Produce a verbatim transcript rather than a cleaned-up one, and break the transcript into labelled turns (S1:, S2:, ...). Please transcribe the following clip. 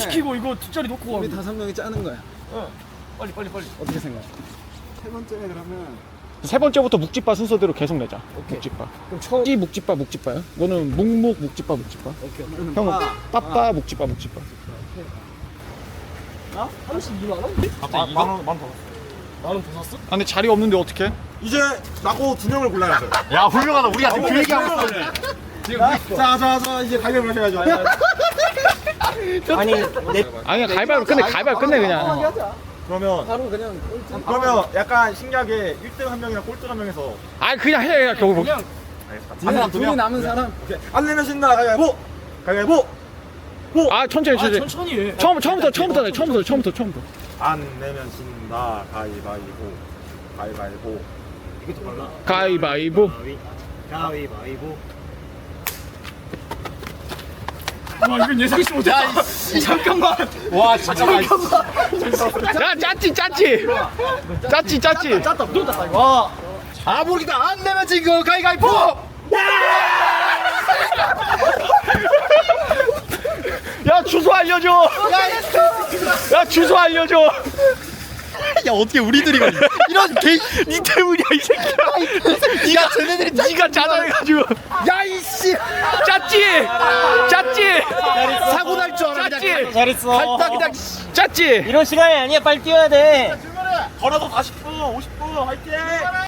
S1: 시키고 이거 뒷자리 놓고 가고.
S2: 우리 다섯 명이 짜는 거야.
S1: 어. 빨리 빨리 빨리.
S2: 어떻게 생각해? 세 번째 그러면
S3: 세 번째부터 묵집바 순서대로 계속 내자.
S1: 오케이.
S3: 묵집바.
S1: 그럼 처음.
S3: 찌 묵집바 묵집바요? 너는 묵묵 묵집바 묵집바.
S1: 오케이.
S3: 형은 빠빠 묵집바 묵집바.
S1: 나? 삼십이만 원?
S4: 갑자기 만원 만원 더.
S1: 만원 더 샀어?
S3: 아 근데 자리 없는데 어떡해?
S4: 이제 나고 두 명을 골라야죠.
S5: 야 훌륭하다. 우리가 지금 그 얘기하고 있어.
S4: 자자자 이제 가위바위보 하셔야죠.
S1: 아니 내
S3: 아니 가위바위보 끝내 가위바위보 끝내 그냥.
S2: 하자.
S4: 그러면
S2: 바로 그냥 꼴찌.
S4: 그러면 약간 신기하게 일 등 한 명이랑 꼴등 한 명에서
S3: 아 그냥 해 그냥 결국.
S1: 그냥
S4: 알겠습니다.
S2: 둘이, 둘이 남은 사람.
S4: 오케이. 안 내면 신나 가위바위보. 가위바위보.
S3: 아 천천히
S1: 아
S3: 천천히.
S1: 천천히 해.
S3: 처음 처음부터 처음부터 내 처음부터 처음부터 처음부터.
S4: 안 내면 신나 가위바위보. 가위바위보.
S1: 이게 더 빨라.
S3: 가위바위보.
S1: 가위바위보. 와 이건 예상치 못했다. 잠깐만.
S5: 와 잠깐만.
S3: 야 짰지 짰지. 짰지 짰지.
S1: 짰다 또 짰다 이거. 와.
S5: 아 모르겠다. 안 내면 지금 가위가위보.
S3: 야 주소 알려줘. 야 주소 알려줘.
S5: 야 어떻게 우리들이 이런 개.
S3: 니 때문이야 이 새끼야.
S5: 니가 쟤네들이
S3: 니가 짜잘해가지고.
S5: 야 이씨.
S3: 짰지. 짰지.
S5: 사고 날 줄 알아.
S3: 짰지.
S1: 잘했어.
S5: 갈다 그냥.
S3: 짰지.
S1: 이런 시간이 아니야. 빨리 뛰어야 돼.
S4: 걸어도 사십 분, 오십 분 화이팅!